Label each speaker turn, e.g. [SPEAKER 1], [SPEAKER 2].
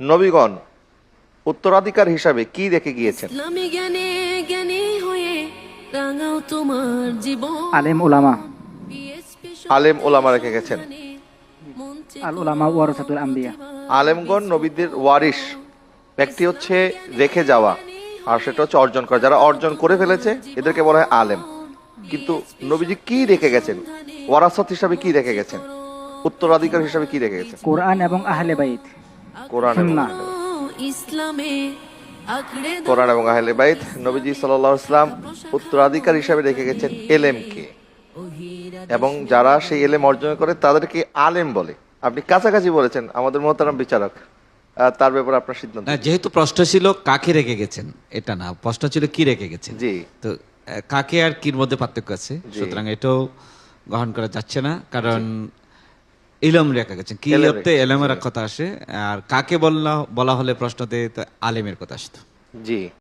[SPEAKER 1] নবীগণ উত্তরাধিকার হিসাবে কি রেখে গিয়েছেন?
[SPEAKER 2] ইসলামী জ্ঞানে জ্ঞানী হয়ে রাঙাও তোমার জীবন।
[SPEAKER 3] আলেম উলামা।
[SPEAKER 1] আলেম ওলামা রেখে গেছেন।
[SPEAKER 3] আল উলামা ওয়ারাসাতুল আম্বিয়া।
[SPEAKER 1] আলেমগণ নবীদের ওয়ারিশ। ব্যক্তি হচ্ছে রেখে যাওয়া, আর সেটা হচ্ছে অর্জন করা। যারা অর্জন করে ফেলেছে এদেরকে বলা হয় আলেম। কিন্তু নবীজি কি রেখে গেছেন? ওয়ারাসাত হিসাবে কি রেখে গেছেন? উত্তরাধিকার হিসাবে কি রেখে গেছেন?
[SPEAKER 3] কোরআন এবং আহলে বাইত।
[SPEAKER 1] কোরআন এবং
[SPEAKER 3] সুন্নাহ।
[SPEAKER 1] আহলে বাইত।
[SPEAKER 2] ইসলামে আঁকড়ে ধরো
[SPEAKER 1] কোরআন এবং আহলে বাইত। নবীজি সাল্লাল্লাহু আলাইহি ওয়াসাল্লাম উত্তরাধিকার হিসাবে রেখে গেছেন এলেমকে, এবং যারা সেই এলেম অর্জন করে তাদেরকে আলেম বলে। আপনি কাছাকাছি বলেছেন, আমাদের মোহতারাম বিচারক, তার ব্যাপারে আপনার সিদ্ধান্ত।
[SPEAKER 4] না, যেহেতু প্রশ্ন ছিল কাকে রেখে গেছেন, এটা না, প্রশ্ন ছিল কি রেখে গেছেন।
[SPEAKER 1] জি।
[SPEAKER 4] তো কাকে আর কির মধ্যে পার্থক্য আছে,
[SPEAKER 1] জি।
[SPEAKER 4] সুতরাং এটাও গ্রহণ করা যাচ্ছে না, কারণ ইলম রেখে গেছেন, কি
[SPEAKER 1] এলেম
[SPEAKER 4] অর্থে
[SPEAKER 1] রেখে
[SPEAKER 4] এলেমের
[SPEAKER 1] গেছেন।
[SPEAKER 4] কথা আসে, আর কাকে বলা হলে প্রশ্নতে তো আলেমের কথা আসতো।
[SPEAKER 1] জি।